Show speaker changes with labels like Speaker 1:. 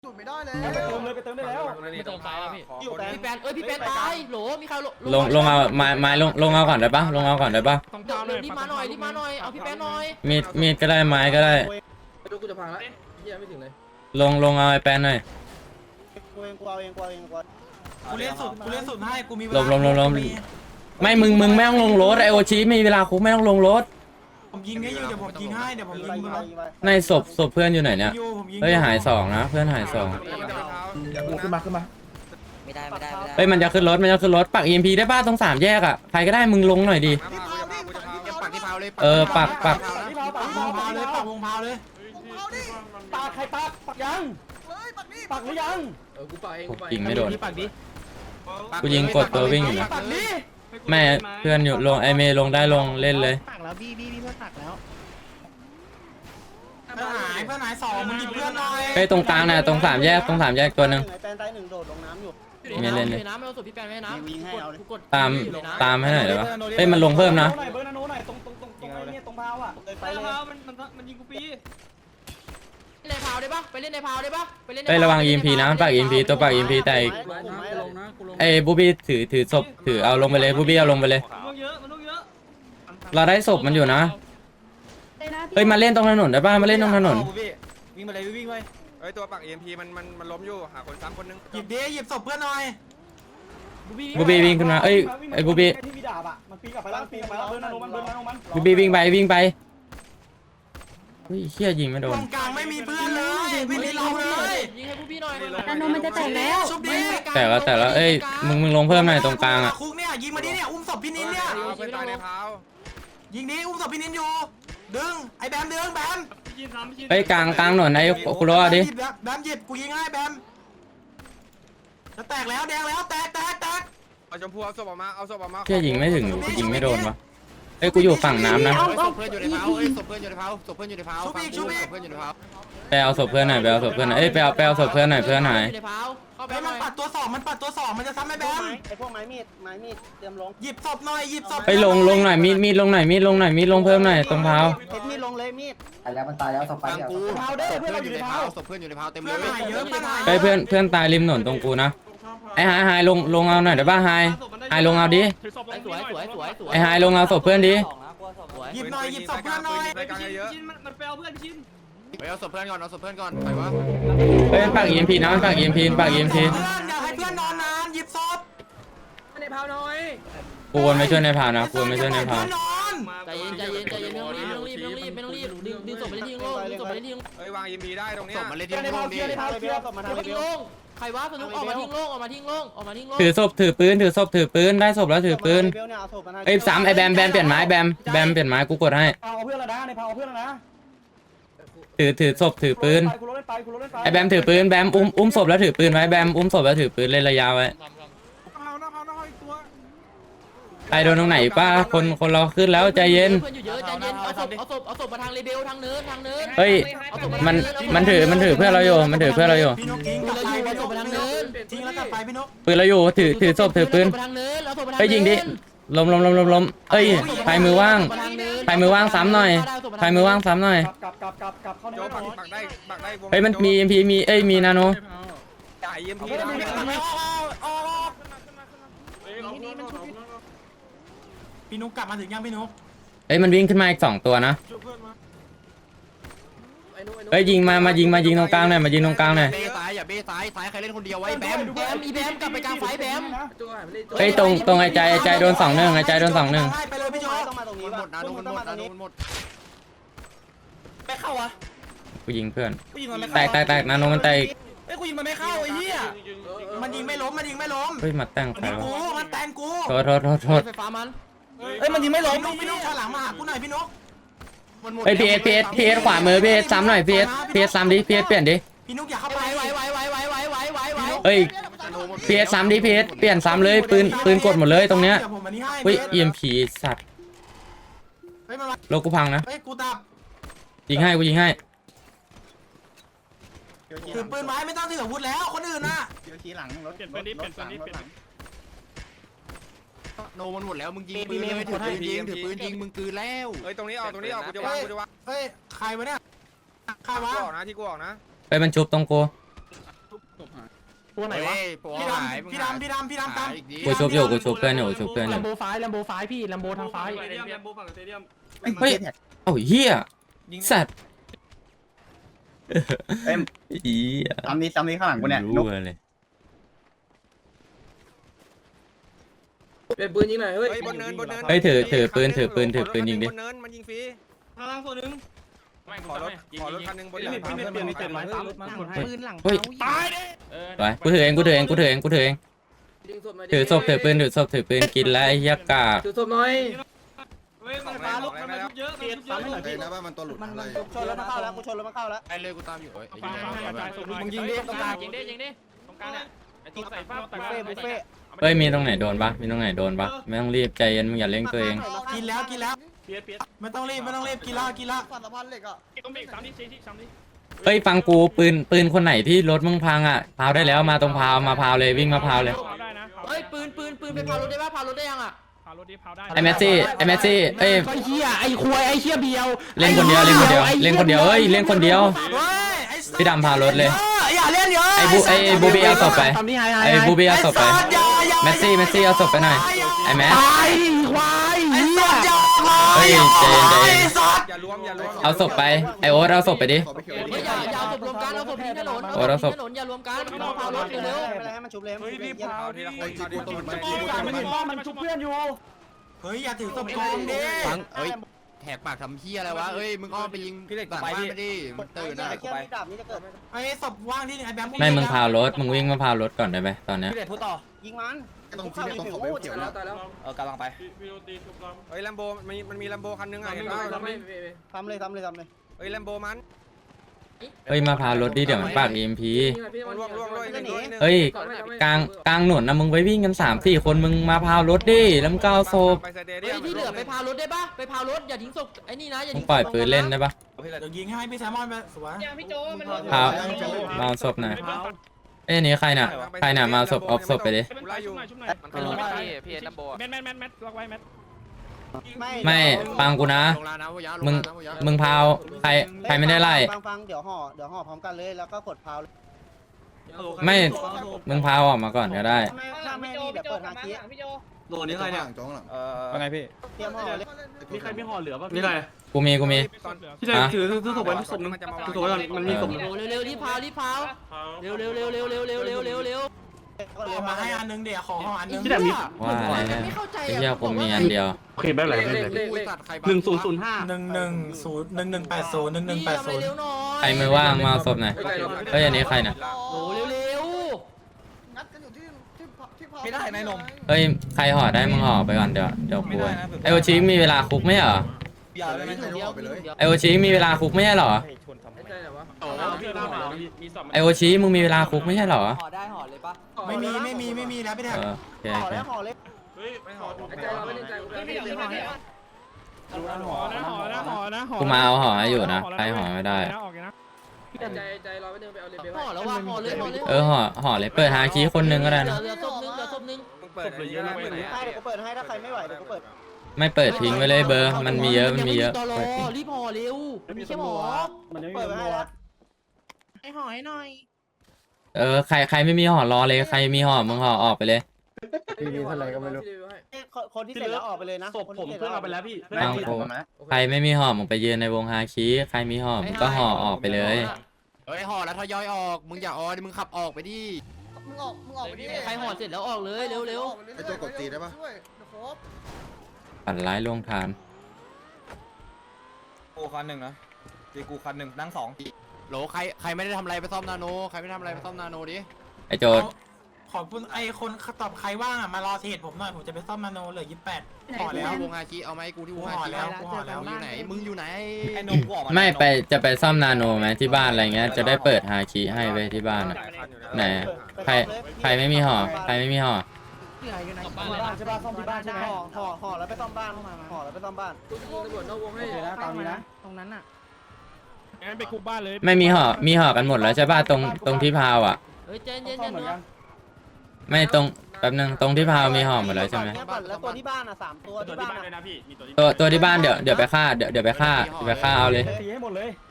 Speaker 1: สุดไม่ได้เลย
Speaker 2: ไปเติมเลยไปเติมได้แล้ว
Speaker 3: ไม่เติมไฟแล้วพี่
Speaker 2: พี่แปน
Speaker 3: พี่แปนตายโหลมีใคร
Speaker 4: ลงเอาไม้ลงเอาก่อนได้ปะลงเอาก่อนได้ปะ
Speaker 3: เดี๋ยวรีบมาหน่อยเอาพี่แปนหน่อย
Speaker 4: มีดก็ได้ไม้ก็ได้
Speaker 5: ไม่รู้กูจะพังแล้วเหี้ยไม่ถึงเลย
Speaker 4: ลงเอาไอ้แปนหน่อย
Speaker 1: กูเอาเองกู
Speaker 2: กูเล่นสุดให้กูมีเว
Speaker 4: ล
Speaker 2: ลาง
Speaker 4: ไม่มึงไม่ต้องลงรถไอโอชิมีเวลาคุกไม่ต้องลงรถ
Speaker 2: ผมยิงให้อยู่เดี๋ยวผมยิงให้เดี๋ยวผมยิงมึง
Speaker 4: ในศพเพื่อนอยู่ไหนเนี่ย
Speaker 2: ผมยิง
Speaker 4: เฮ้ยหาย2นะเพื่อนหาย2
Speaker 1: ขึ้นมา
Speaker 6: ไม่ได้
Speaker 4: เฮ้ยมันจะขึ้นรถปัก EMP ได้ป่ะตรง3แยกอ่ะใครก็ได้มึงลงหน่อยดิปัก
Speaker 2: ที่เผาเลยปักวงเผาเลย
Speaker 1: ปากใครปักยังปักหรือยัง
Speaker 5: กูปาเองกูปา
Speaker 4: ยิงไม่โดน
Speaker 3: ปักดิ
Speaker 4: กูยิงกดตัววิ่งอยู่นะ
Speaker 1: ปักนี่
Speaker 4: แม่เพื่อนอยู่ลงไอเมย์ลงได้ลงเล่นเลย
Speaker 1: ปักแล้วบี้เพื่อนปักแล้ว
Speaker 2: เพื่อนหายสองมึงหยิบเพื่อนหน่อย
Speaker 4: เฮ้ยตรงกลางน่ะตรง3แยกตัวนึง
Speaker 1: แปนตาย1โดดลงน้ำอยู่
Speaker 3: น้ำไม่เอาสุดพี่แปนไม่น้ำ
Speaker 4: ตามให้หน่อยได้ปะเฮ้ยมันลงเพิ่มนะ
Speaker 2: เบอร์นาโนหน่อยตรงไอ้เนี่ยตรงเผาอ่ะ
Speaker 1: ไปเลย
Speaker 2: มันยิงกูปี
Speaker 3: ในพาวได้ปะไปเล่นในพาวได้ปะไปเล่น
Speaker 4: เฮ้ยระวัง EMP นะปัก EMP ตัวปัก EMP แต่
Speaker 5: ลงนะกูลง
Speaker 4: ไอ้บูบี้ถือศพถือเอาลงไปเลยบูบี้เอาลงไปเลย
Speaker 2: มันเยอะ
Speaker 4: เราได้ศพมันอยู่นะเฮ้ยมาเล่นตรงถนนได้ป่ะมาเล่นตรงถนน
Speaker 2: วิ่งมาเลยวิ่งไป
Speaker 7: เฮ้ยตัวปัก EMP มันล้มอยู่หาคนซ้ำคนนึง
Speaker 2: หยิบดิหยิบศพเพื่อนหน่อย
Speaker 4: บูบี้วิ่งขึ้นมาเอ้ยไอ้บูบี้
Speaker 2: ที่มีดาบอ่ะมันปีนกลับไปแล้วเบอร์นาโนมัน
Speaker 4: บูบี้วิ่งไปเฮ้ยเชี่ยยิงไม่โด
Speaker 2: ตร
Speaker 4: น
Speaker 2: งกลางไม่มีเพื่อนเลยไม่มีเราเลย
Speaker 3: ยิงให้ผู้พี่หน่อย
Speaker 6: นาโนมันจะแตกแล้ว
Speaker 2: ชุบดิ
Speaker 4: แต่ละเอ้ยมึงลงเพิ่มหน่อยตรงกลางอ่ะ
Speaker 2: คุกเนี่ยยิงมาดิเนี่ยอุ้มศพพี่นินเนี่ย
Speaker 7: เอาไปตายในเท้า
Speaker 2: ยิงดิอุ้มศพพี่นินอยู่ดึงไอ้แบมดึงแบม
Speaker 4: เฮ้ยกลางถนนไอ้กูรอดิ
Speaker 2: แบมหยิบกูยิงให้แบมจะแตกแล้วแดงแล้วแตก
Speaker 7: เอาชมพูเอาศพออกมาเอาศพออกมา
Speaker 4: เชี่ยยิงไม่ถึงยิงไม่โดนวะเอ้ยกูอยู่ฝั่งน้ำนะ
Speaker 6: เอา
Speaker 5: เพื่อนอยู่ในเผาศพเพื่อนอยู่ในเผาศพเพื่อนอยู่ในเผาเพื่อนอยู่ในเผา
Speaker 4: ไปเอาศพเพื่อนหน่อยเอ้ยไปเอาศพเพื่อนหน่อยเพื่อนหาย
Speaker 3: ในพาวเข้าไป
Speaker 2: ไอ้มันปัดตัวสองมันจะซ้ำไอ้แบม
Speaker 1: ไอ้พวกไม้มีดเตรียมลง
Speaker 2: หยิบศพหน่อยหยิบศพ
Speaker 4: เฮ้ยลงหน่อยมีดลงหน่อยมีดลงเพิ่มหน่อยตรงเท้า
Speaker 1: เอ็ดมีดลงเลยมีด
Speaker 5: ตายแล้วมันตายแล้วศพไปแล้วศพเพื่อนอยู่ในเผาศพเพื่อนอยู่ในเผาเต็มเล
Speaker 2: เพื่อน
Speaker 5: ย
Speaker 2: หายเยอะเพื่อนหาย
Speaker 4: เฮ้ยเพื่อนตายริมถนนตรงกูนะไอ้หายลงเอาหน่อยได้ป่ะหายลงเอาดิ
Speaker 3: สวย
Speaker 4: ไอ้หายลงเอาศพเพื่อนดิ
Speaker 2: หยิบหน่อยหยิบศพเพื่อนหน่อย
Speaker 7: รายการเยอะ
Speaker 5: ไปเอาศพเพื่อนก่อนเอาศพเพื่อนก่อนไปวะ
Speaker 4: เฮ้ยปัก EMP นะปัก EMP
Speaker 2: เพื่อนอย่าให้เพื่อนนอนนานหยิบศพ
Speaker 5: ในเผาหน่อย
Speaker 4: กูวนไม่ช่วยในพาวนะกูวนไม่ช่วยในพาว
Speaker 2: นอน
Speaker 3: ใจเย็นไม่ต้องรีบดึงศพไปเล่นทิ้งโล่ดึงศพไปเล่นทิ้ง
Speaker 7: เฮ้ยวาง EMP ได้ตรงเนี้
Speaker 5: ศ
Speaker 7: ย
Speaker 5: พมาเล่นที่
Speaker 1: ใน
Speaker 5: โล
Speaker 1: เผาก เกี
Speaker 5: ดิ
Speaker 1: ยร์ในเผาเกียร์ศพมาทาง
Speaker 3: ทิ้งโล่ใครวะสนุกออกมาทิ้งโล่
Speaker 4: ถือศพถือปืนได้ศพแล้วถือปืน
Speaker 1: เบลเนี่ยเอาศพมาทาง
Speaker 4: เอ้ย3ไอ้แบมเปลี่ยนไม้แบมเปลี่ยนไม้กูกดให้
Speaker 2: เอาเพื่อนแล้วนะในเผาเพื่อนแล้วนะ
Speaker 4: ถือศพถือปืน
Speaker 2: กูรถเล่นไป
Speaker 4: ไอ้แบมถือปืนแบมอุ้มศพแล้วถือปืนไว้แบมอุ้มศพแล้วถือปืนเล่นระยะไว้ใครโดนตรงไหนป้าคนเราขึ้นแล้วใจเย็น
Speaker 3: เพื่อนอยู่เยอะใจเย็นเอาศพมาทางเรเบลทางเนิน
Speaker 4: เฮ้ยมันถือเพื่อนเราอยู่มันถือเพื่อนเราอยู่
Speaker 2: พี่นกทิ้ง
Speaker 3: ปืนเราอยู่เอาศพมาทางเนิน
Speaker 2: ทิ้งแล้วกลับไปพี่นก
Speaker 4: ปืนเราอยู่ถือศพถือปืน
Speaker 3: ทางเนินเอาศพมาทาง
Speaker 4: เฮ้ยยิงดิล้มเอ้ยใครมือว่างซ้ำหน่อยใครมือว่างซ้ำหน่อย
Speaker 2: กลับเข้าใน
Speaker 7: โจปักได้วง
Speaker 4: เฮ้ยมันมี EMP มีนาโน
Speaker 7: จ่าย EMP
Speaker 2: พี่นุกกลับมาถึงยังพี่นุก
Speaker 4: เฮ้ยมันวิ่งขึ้นมาอีก2ตัวนะเฮ้ยยิงมายิงตรงกลางหน่อยมายิงตรงกลางหน่อย
Speaker 5: เบ้ซ้ายอย่าเบ้ซ้ายใครเล่นคนเดียวไว้แบม
Speaker 3: แบมกลับไปกลางไฟแบม
Speaker 4: เฮ้ยตรงไอ้ใจโดน2-1ไอ้ใจโดน2-1
Speaker 2: ไปเลยพี่โจ
Speaker 1: ต้องมาตรงนี้
Speaker 5: หมดนะโดนหมดนะโดนหมด
Speaker 2: ไม่เข้าอ่ะ
Speaker 4: กูยิงเพื่อน
Speaker 2: กูยิงมันไม่
Speaker 4: แต
Speaker 2: เข้าก
Speaker 4: นาโนมันแตก
Speaker 2: เอ้ยกูยิงมันไม่เข้าไอ้เหี้ยมันยิงไม่ล้ม
Speaker 4: เฮ้ยมาแต่งใครวะ
Speaker 2: มันแตงกู
Speaker 4: โทษ
Speaker 3: ไฟฟ้ามัน
Speaker 2: เอ้ยมันยิงไม่ล้มพี่นุกถอยหลังมาหากูหน่อยพี่นุก
Speaker 4: เฮ้ยพีเอสขวามือพีเอสซ้ำหน่อยพีเอสซ้ำดิพีเอสเปลี่ยนดิ
Speaker 2: พี่นุกอย่าเข้า
Speaker 3: ไห
Speaker 2: ไป
Speaker 3: ว
Speaker 4: เฮ้ยพีเอสซ้ำดิพีเอสเปลี่ยนซ้ำเลยปืนกดหมดเลยตรงเนี้ย
Speaker 2: ดี๋วผมอันนี้ให้
Speaker 4: เฮ้ย EMP สัตว์
Speaker 2: เฮ้ยมันมา
Speaker 4: โลกูพังนะ
Speaker 2: เฮ้ยกูตับ
Speaker 4: ยิงให้
Speaker 2: ถือปืนไว้ไม่ต้องถืออาวุธแล้วคนอื่นน่ะ
Speaker 1: เดี๋ยวขี่หลังรถ
Speaker 5: โนมันหมดแล้วมึงยิงปืนเลยถือปืนยิงมึงคืนแล้ว
Speaker 7: เฮ้ยตรงนี้ออกกูจะวาง
Speaker 2: เฮ้ยใครวะเนี่ยใครวะ
Speaker 7: กูออกนะที่กูออกนะ
Speaker 4: ไปมันชุบตรงกู
Speaker 1: ตัวไหนวะ
Speaker 2: พี่ดำตาม
Speaker 4: กูชุบอยู่กูชุบเพื่อนอยู่ชุบเพื่อนอ
Speaker 1: แล
Speaker 4: ยู่
Speaker 1: มโบซ้ายแลมโบซ้ายพี่แลมโบทางซ้าย
Speaker 4: เฮ้ยเอ้าเหี้ยสัตว์อี
Speaker 8: ซ้ำนี้ข้างหลังกูเนี่ย
Speaker 4: รู้เลย
Speaker 3: เป็นปืนยิงหน่อยเฮ้ย
Speaker 7: เฮ้ยบนเนินบนเนิน
Speaker 4: เฮ้ยถือปืนยิงดิ
Speaker 7: บนเนินมันยิงฟรี
Speaker 3: ข้างล่างตัวนึง
Speaker 7: ขอรถคันนึงบนเนิน
Speaker 6: ปืนหลัง
Speaker 4: เฮ้ย
Speaker 6: ตาย
Speaker 4: ไปกูถือเอง
Speaker 3: ดึงศพมา
Speaker 4: ถือศพถือปืนกินแล้วไอ้เหี้ยกาก
Speaker 3: ถือศพหน่อย
Speaker 7: เฮ้ยมันฟ้าลุกมันมาเยอะ
Speaker 8: นะว่ามันตัวหลุดอะไร
Speaker 6: ชนแล้วมาเข้าแล้วกูชนแล้วมาเข้าแล้ว
Speaker 5: ไอ้เลยกูตามอยู่
Speaker 7: มึงยิงดิ
Speaker 3: ตรงกลางยิงดิตรงกลางอ่ะไอ้ตัวใส่ฟ้า
Speaker 6: บุฟเฟ่บุฟเฟ่
Speaker 4: เฮ้ยมีตรงไหนโดนปะไม่ต้องรีบใจเย็นมึงอย่าเร่งตัวเอง
Speaker 2: กินแล้วไม่ต้องรีบกินละ
Speaker 6: ฝันสะพานเหล็กอ่ะ
Speaker 4: เฮ้ยฟังกูปืนคนไหนที่รถมึงพังอ่ะพาวได้แล้วมาตรงพาวมาพาวเลยวิ่งมาพาวเลย
Speaker 3: เฮ้ยปืนไปพารถได้ป่ะพารถได้ยังอ่ะ
Speaker 4: ไอ้แมสซี่เอ้ย
Speaker 1: ไอ้เหี้ยไอ้ควายไอ้เหี้ยเบียว
Speaker 4: เล่นคนเดียวเฮ้ยเล่นคนเดียว
Speaker 2: เฮ้ยไอ้
Speaker 4: พี่ดำพารถเลย
Speaker 2: อย่าเล่นเยอะ
Speaker 4: ไอ้บูบี้เอาศพไป
Speaker 1: ทำนี่ไฮ
Speaker 4: ไอ้บูบี้เอาศพไปแมสซี่เอาศพไปหน่อยไอ้แมส
Speaker 1: ตายควาย
Speaker 2: ไอ้
Speaker 1: เหี้
Speaker 2: สั
Speaker 1: ย
Speaker 2: ตว์อย่า
Speaker 4: เฮ้ยใจเย็น
Speaker 7: อย่าล้วม
Speaker 4: เอาศพไปไอโอ๊ตเอาศพไปดิ
Speaker 3: เฮ้ยอย่าศพรวมกันเอาศพทิ้งถนนอย่ารวมกันเอาพารถเร็ว
Speaker 6: ไม่เป็นไรให้มันชุบเลยรีบ
Speaker 7: เอาทีละคนทีละคน
Speaker 1: มันเห็นว่ามันชุบเพื่อนอยู่
Speaker 2: เฮ้ยอย่าถือศพกองดิ
Speaker 5: ฟังเฮ้ยแหกปากทำเฮียอะไรวะเอ้ยมึงอ้อมไปยิงหลังบ้านไปดิมึงตื่นนะ
Speaker 6: ไอ้เกี้ยดาบนี้จะเกิด
Speaker 2: ไอ้ศพว่างที่ไอ้แบม
Speaker 4: ไม่มึงพาวรถมึงวิ่งมาพาวรถก่อนได้ไหมตอนเนี้ย
Speaker 6: พี่เด็ดพูดต่อยิงมัน
Speaker 8: ต้องที่ต้องขอเวลเขียว
Speaker 3: แล้
Speaker 8: แล้ว ว
Speaker 3: ตายแล้ว
Speaker 6: กำลังไป
Speaker 7: เฮ้ยแลมโบมันมีแลมโบคันนึงอ่ะเห็นป่ะ
Speaker 6: ทำเลย
Speaker 7: เฮ้ยแลมโบมัน
Speaker 4: เฮ้ยมาพาวรถดิเดี๋ยวมันปาก EMP
Speaker 7: ล่วง
Speaker 4: เฮ้ยกลางหนวดนะมึงไปวิ่งกัน3-4 คนมึงมาพาวรถดิแล้วมึงก็เอาศพ
Speaker 7: ไปสเตเดี
Speaker 3: เฮ้
Speaker 7: ย
Speaker 3: ย
Speaker 7: ม
Speaker 3: ที่เหลือไปพารถได้ป่ะไปพารถอย่าทิ้งศพไอ้นี่นะอย่า
Speaker 4: มึง
Speaker 3: ทิ้ง
Speaker 4: ปล่อยปืนเล่นได้ปะ
Speaker 2: เดี๋ยวยิงให้พี่แซมมอนไปสวย
Speaker 4: พาวมาเอาศพหน่อยเอ้ยนี่ใครน่ะมาเอาศพเอาศพไปดิ
Speaker 7: กูไล่อยู่
Speaker 3: มันลงพี่นัมโบ
Speaker 4: ไม่ฟังกูนะ
Speaker 5: ลงแล้วนะพวกยา
Speaker 4: มึงพาวใครไม่ได้ไล่
Speaker 6: ฟังเดี๋ยวห่อพร้อมกันเลยแล้วก็กดพาว
Speaker 4: ไม่มึงพาวออกมาก่อนก็ได้
Speaker 6: ถ้าไม่นี่เดี๋ยวเปิดหาคี
Speaker 8: โหนี่ใครเนี่ยจ้องหลัง
Speaker 7: ว่าไงพี่
Speaker 6: เตรียมห่อเลย
Speaker 1: มีใครมีห่อเหลือป่ะ
Speaker 2: นี่ไง
Speaker 4: กูมี
Speaker 1: พี่ใจถือศพไว้ศพนึงถือศพไว้ก่อนมันมีศพ
Speaker 3: เร็วรีบพาวเร็วเร็ว
Speaker 2: ขอมาให้อันนึงเดี๋ยวขอห่ออันนึง
Speaker 1: พี่แต่มี
Speaker 4: ว่าอะไร
Speaker 3: ไม่เข้าใจ
Speaker 4: ไอ้เหี้ยกูมีอันเดียว
Speaker 1: โอเคไม่เป็นไรไม่เป็นไร1005
Speaker 2: 1105
Speaker 4: ใครมือว่างมาเอาศพหน่อยเฮ้ยอันนี้ใครน่ะ
Speaker 3: โอ้เร็ว
Speaker 6: นัดกันอยู่ที่พาว
Speaker 7: ไม่ได้นายนม
Speaker 4: เฮ้ยใครห่อได้มึงห่อไปก่อนเดี๋ยวกูไอโอชิมีเวลาคุกไม่ใช่เหรอ
Speaker 8: อย่าเลยไม่ใช่ออกไปเลย
Speaker 4: ไอโอชิมีเวลาคุกไม่ใช่เหรอ
Speaker 3: ไม่ใช่เหรอวะ
Speaker 4: ไอโอชิมึงมีเวลาคุกไม่ใช่เหรอ
Speaker 6: ห่อได้ห่อเลยปะ
Speaker 2: ไม่มีแล้วพี่แท
Speaker 4: เออโอเค
Speaker 6: ห่อแล้วห่อเลย
Speaker 3: ใจเราไม่ได้ใจ
Speaker 4: กูมาเอาห่อให้อยู่นะใครห่อไม่ได้
Speaker 3: ใจเราไม่เดินไปเอาเลเบลห่อแล้วว่าห่อเลย
Speaker 4: ห่อเลยเปิดหาคีย์คนนึงก็ได้นะ
Speaker 3: เหลือศพนึง
Speaker 7: มึงเปิดเยอะนะเปิด
Speaker 6: ให้เดี๋ยวกูเปิดให้ถ้าใครไม่ไหวเดี๋ยวกูเปิด
Speaker 4: ไม่เปิดทิ้งไว้เลยเบอร์มันมีเยอะ
Speaker 3: รีบห่อเร็วมีแค่หมอ
Speaker 6: เปิดให้แล้ว
Speaker 3: ให้ห่อให้หน่อย
Speaker 4: ใครไม่มีห่อรอเลยใครมีห่อมึงห่อออกไปเลย
Speaker 1: มีเท่าไหร่ก็ไม่รู้
Speaker 6: คนที่เสร็จแล้วออกไปเลยนะ
Speaker 1: ศพผมเพื่อนเอาไปแล้วพี่
Speaker 4: ฟังกูใครไม่มีห่อมึงไปยืนในวงฮาคีใครมีห่อมึงก็ห่อออกไปเลย
Speaker 5: เฮ้ยห่อแล้วทยอยออกมึงอย่าออดิมึงขับออกไปดิ
Speaker 6: มึงออกไปดิ
Speaker 3: ใครห่อเสร็จแล้วออกเลยเร็ว
Speaker 8: ไอ้ตัวกดตีได้ปะ
Speaker 4: ปั่นร้ายลงทาน
Speaker 7: กูคันหนึ่งนะตีกูคันหนึ่งนั่งสอง
Speaker 5: โหลใครไม่ได้ทำอะไรไปซ่อมนาโนใครไม่ทำอะไรไปซ่อมนาโนดิ
Speaker 4: ไอโจด
Speaker 2: ขอบคุณไอ้คนตอบใครว่างมารอเทรดผมหน่อยผมจะไปซ่อมนาโนเหลือ28ห่อแล้ว
Speaker 5: วงฮาคิเอาไหมกูที่วงฮาคิ
Speaker 2: กูห่อแล้ว
Speaker 5: มึงอยู่ไหน
Speaker 7: ไอ้นมกูออกมา
Speaker 4: ไม่ไปจะไปซ่อมนาโนไหมที่บ้านอะไรเงี้ยจะได้เปิดฮาคีให้ไปที่บ้านอ่ะไหนใครไม่มีห่อใครไม่มีห่อ
Speaker 6: บ้านใช่ป่ะซ่อมที่บ้านใช่ไหมห่อแล้วไปซ่อมบ้านห่อแล้วไปซ่อมบ้าน
Speaker 3: ๆตำรวจนอกวงให้
Speaker 6: ตามนี้นะ
Speaker 3: ตรงนั้นน่ะ
Speaker 1: งั้นไปคุกบ้านเลย
Speaker 4: ไม่มีห่อกันหมดแล้วใช่ป่ะตรงที่พาวอ่ะ
Speaker 3: เฮ้ยเย็นเนาะ
Speaker 4: ไม่ตรงแป๊บนึงตรงที่พาวมีห่อหมดแล้วใช่ไหม
Speaker 6: แล้วตัวที่บ้านอ่ะ3ตัวที่บ้าน
Speaker 1: นะพี่มีตัว
Speaker 4: ตัวที่บ้านเดี๋ยวไปฆ่าเอาเลย
Speaker 1: ตีให้หมดเลย